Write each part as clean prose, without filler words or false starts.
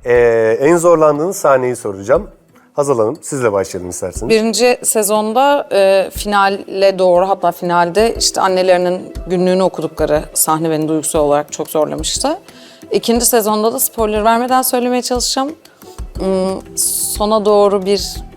En zorlandığınız sahneyi soracağım. Hazal Hanım, sizle başlayalım isterseniz. Birinci sezonda finale doğru, hatta finalde işte annelerinin günlüğünü okudukları sahne beni duygusal olarak çok zorlamıştı. İkinci sezonda da spoiler vermeden söylemeye çalışacağım. Sona doğru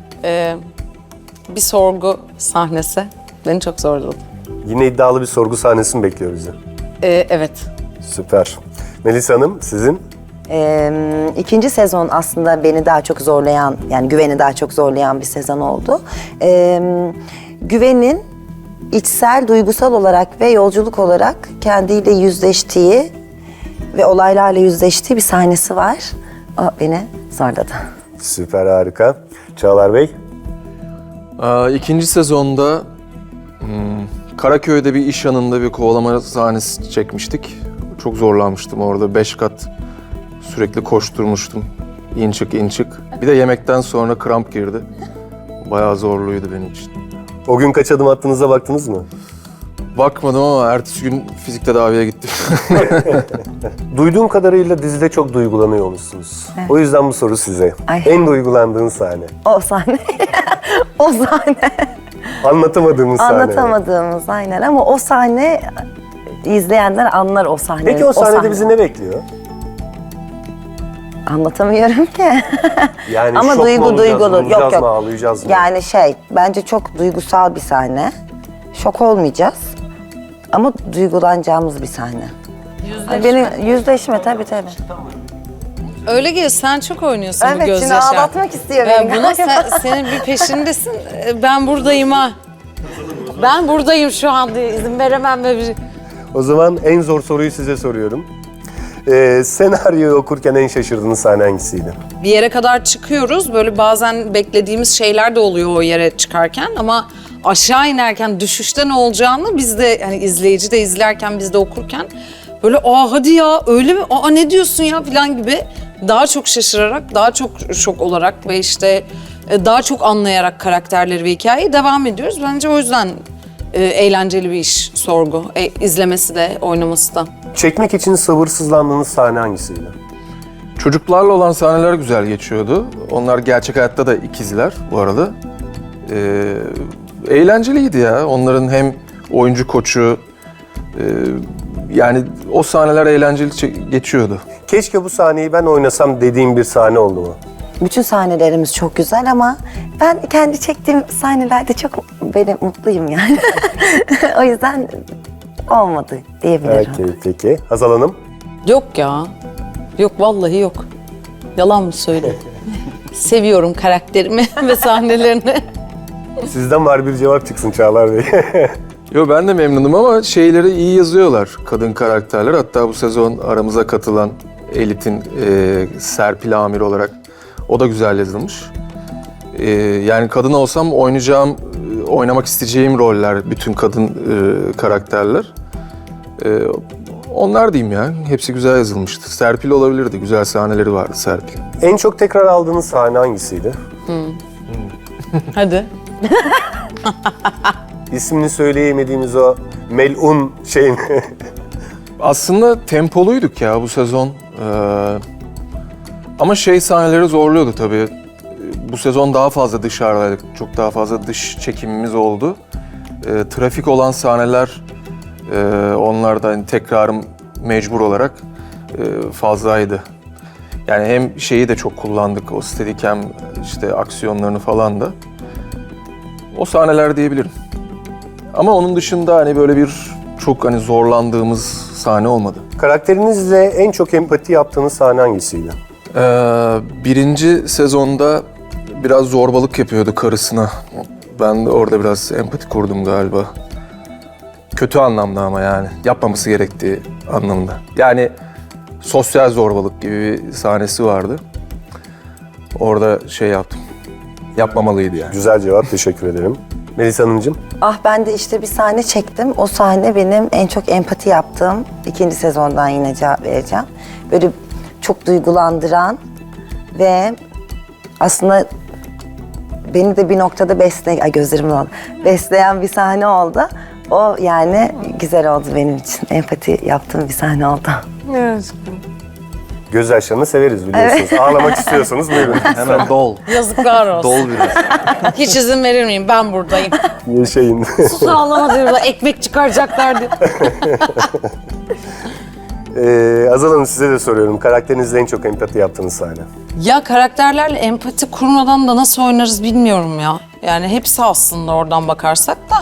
bir sorgu sahnesi beni çok zorladı. Yine iddialı bir sorgu sahnesi mi bekliyor bizi? Evet. Süper. Melisa Hanım, sizin? İkinci sezon aslında beni daha çok zorlayan, yani Güven'i daha çok zorlayan bir sezon oldu. Güven'in içsel, duygusal olarak ve yolculuk olarak kendiyle yüzleştiği ve olaylarla yüzleştiği bir sahnesi var. O beni zorladı. Süper, harika. Çağlar Bey? İkinci sezonda Karaköy'de bir iş yanında bir kovalama sahnesi çekmiştik. Çok zorlanmıştım orada. 5 kat sürekli koşturmuştum. İn çık, in çık. Bir de yemekten sonra kramp girdi. Bayağı zorluydu benim için. O gün kaç adım attığınıza baktınız mı? Bakmadım ama ertesi gün fizik tedaviye gittim. Duyduğum kadarıyla dizide çok duygulanıyormuşsunuz. Evet. O yüzden bu soru size. Ay. En duygulandığın sahne. O sahne. O sahne. Anlatamadığımız sahne. Anlatamadığımız aynen, ama o sahne izleyenler anlar o sahneyi. Peki o sahnede bizi ne bekliyor? Anlatamıyorum ki. Yani Ama şok mu olacağız, duygulu. vuracağız Yok, yok. mı, ağlayacağız mı? Yani bence çok duygusal bir sahne. Şok olmayacağız. Ama duygulanacağımız bir sahne. Benim yüzleşme tabii. Öyle geliyor, sen çok oynuyorsun bu Evet, şimdi gözyaşı. ağlatmak istiyor beni. Buna senin bir peşindesin. Ben buradayım ha. Ben buradayım şu an diye izin veremem böyle bir... O zaman en zor soruyu size soruyorum. Senaryoyu okurken en şaşırdığınız sahne hangisiydi? Bir yere kadar çıkıyoruz. Böyle bazen beklediğimiz şeyler de oluyor o yere çıkarken, ama aşağı inerken düşüşte ne olacağını biz de, hani izleyici de izlerken, biz de okurken böyle hadi ya öyle mi? Ne diyorsun ya falan gibi daha çok şaşırarak, daha çok şok olarak ve işte daha çok anlayarak karakterleri ve hikayeyi devam ediyoruz. Bence o yüzden eğlenceli bir iş sorgu. İzlemesi de, oynaması da. Çekmek için sabırsızlandığınız sahne hangisiydi? Çocuklarla olan sahneler güzel geçiyordu. Onlar gerçek hayatta da ikizler bu arada. Eğlenceliydi ya. Onların hem oyuncu koçu, yani o sahneler eğlenceli geçiyordu. Keşke bu sahneyi ben oynasam dediğim bir sahne oldu mu? Bütün sahnelerimiz çok güzel ama ben kendi çektiğim sahnelerde çok mutluyum yani. O yüzden olmadı diyebilirim. Peki. Hazal Hanım? Yok ya. Yok, vallahi yok. Yalan mı söyleyeyim? Seviyorum karakterimi ve sahnelerini. Sizden var bir cevap çıksın Çağlar Bey. Yo, ben de memnunum ama şeyleri iyi yazıyorlar kadın karakterler. Hatta bu sezon aramıza katılan Elit'in Serpil Amir olarak o da güzel yazılmış. Yani kadın olsam oynamak isteyeceğim roller, bütün kadın karakterler. Onlar diyeyim ya, hepsi güzel yazılmıştı. Serpil olabilirdi, güzel sahneleri vardı Serpil. En çok tekrar aldığınız sahne hangisiydi? Hadi. İsmini söyleyemediğimiz o melun şey mi? Aslında tempoluyduk ya bu sezon. Ama sahneleri zorluyordu tabii. Bu sezon daha fazla dışarıdaydık. Çok daha fazla dış çekimimiz oldu. Trafik olan sahneler, onlarda hani tekrarım mecbur olarak fazlaydı. Yani hem şeyi de çok kullandık, o Steadicam işte aksiyonlarını falan da. O sahneler diyebilirim. Ama onun dışında hani böyle bir çok hani zorlandığımız sahne olmadı. Karakterinizle en çok empati yaptığınız sahne hangisiydi? Birinci sezonda biraz zorbalık yapıyordu karısına. Ben de orada biraz empati kurdum galiba. Kötü anlamda ama yani. Yapmaması gerektiği anlamda. Yani sosyal zorbalık gibi bir sahnesi vardı. Orada yaptım. Yapmamalıydı yani. Güzel cevap, teşekkür ederim. Melisa Hanımcığım? Ben de işte bir sahne çektim. O sahne benim en çok empati yaptığım. İkinci sezondan yine cevap vereceğim. Böyle çok duygulandıran ve aslında beni de bir noktada gözlerim doldu. Besleyen bir sahne oldu. O yani güzel oldu benim için. Empati yaptığım bir sahne oldu. Evet. Gözyaşlarını severiz biliyorsunuz. Ağlamak istiyorsanız buyurun. Hemen dol. Yazıklar olsun. Dol biraz. Hiç izin verir miyim? Ben buradayım. Yaşayın. Sus ağlama diyorlar. Ekmek çıkaracaklar diye. Azal Hanım size de soruyorum. Karakterinizle en çok empati yaptığınız sahne. Ya karakterlerle empati kurmadan da nasıl oynarız bilmiyorum ya. Yani hepsi aslında oradan bakarsak da.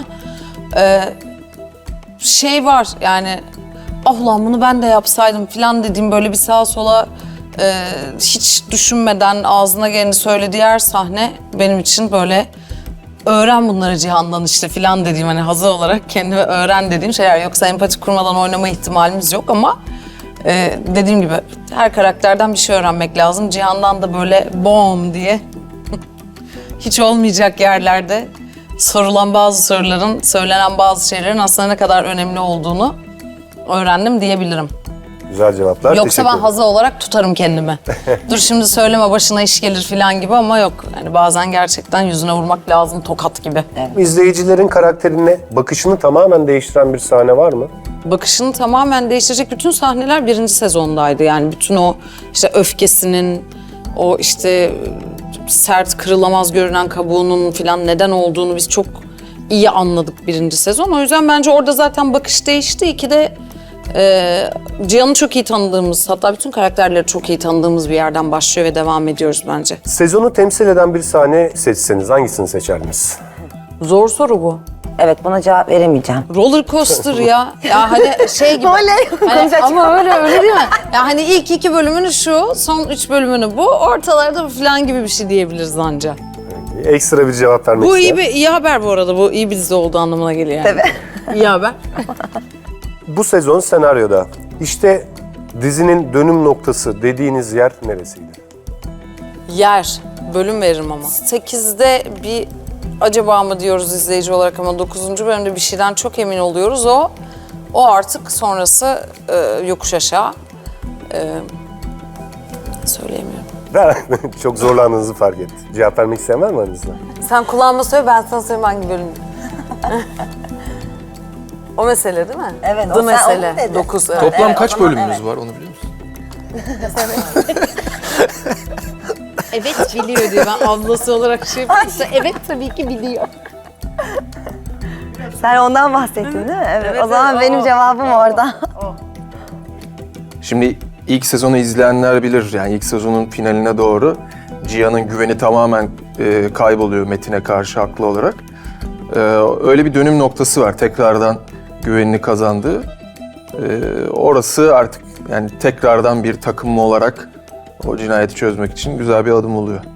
Şey var yani, ah lan bunu ben de yapsaydım falan dediğim böyle bir sağa sola hiç düşünmeden ağzına geleni söylediği her sahne benim için böyle öğren bunları Cihan'dan işte falan dediğim, hani hazır olarak kendime öğren dediğim şeyler. Yoksa empati kurmadan oynama ihtimalimiz yok ama dediğim gibi her karakterden bir şey öğrenmek lazım. Cihan'dan da böyle bom diye hiç olmayacak yerlerde sorulan bazı soruların, söylenen bazı şeylerin aslında ne kadar önemli olduğunu öğrendim diyebilirim. Güzel cevaplar. Yoksa Teşekkür ben ederim. hazı olarak tutarım kendimi. Dur şimdi söyleme başına iş gelir falan gibi ama yok. Yani bazen gerçekten yüzüne vurmak lazım tokat gibi. İzleyicilerin karakterine bakışını tamamen değiştiren bir sahne var mı? Bakışını tamamen değiştirecek bütün sahneler 1. sezondaydı. Yani bütün o işte öfkesinin, o işte sert kırılamaz görünen kabuğunun falan neden olduğunu biz çok iyi anladık 1. sezon. O yüzden bence orada zaten bakış değişti. 2'de Cihan'ı çok iyi tanıdığımız, hatta bütün karakterleri çok iyi tanıdığımız bir yerden başlıyor ve devam ediyoruz bence. Sezonu temsil eden bir sahne seçseniz hangisini seçerdiniz? Zor soru bu. Evet, buna cevap veremeyeceğim. Roller coaster ya. Ya hani şey gibi. Oley, Hani konuşacak. ama öyle değil mi? Ya hani ilk 2 bölümünü şu, son 3 bölümünü bu, ortalarda bu falan gibi bir şey diyebiliriz anca. Ekstra bir cevap vermek Bu isteyen. iyi haber bu arada. Bu iyi bir dizi olduğu anlamına geliyor yani. Tabii. İyi haber. Bu sezon senaryoda işte dizinin dönüm noktası dediğiniz yer neresiydi? Yer. Bölüm veririm ama. 8'de bir acaba mı diyoruz izleyici olarak ama 9. bölümde bir şeyden çok emin oluyoruz. O artık sonrası yokuş aşağı. Söyleyemiyorum. Çok zorlandığınızı fark ettim. Cevap vermek isteyen var mı aranızda? Sen kulağıma söyle, ben sana söyleyeyim hangi bölüm. O mesele değil mi? Evet, The o sen mesele. onu dedin. 9. Evet. Toplam Evet, kaç o zaman bölümümüz evet. var onu biliyor musun? Evet biliyor diyor. Ben ablası olarak şey yapıyorsa evet tabii ki biliyor. Sen ondan bahsettin değil mi? Evet. Evet, O zaman evet, benim cevabım orada. Şimdi ilk sezonu izleyenler bilir, yani ilk sezonun finaline doğru Cihan'ın güveni tamamen kayboluyor Metin'e karşı haklı olarak. Öyle bir dönüm noktası var, tekrardan güvenini kazandığı. Orası artık yani tekrardan bir takım olarak o cinayeti çözmek için güzel bir adım oluyor.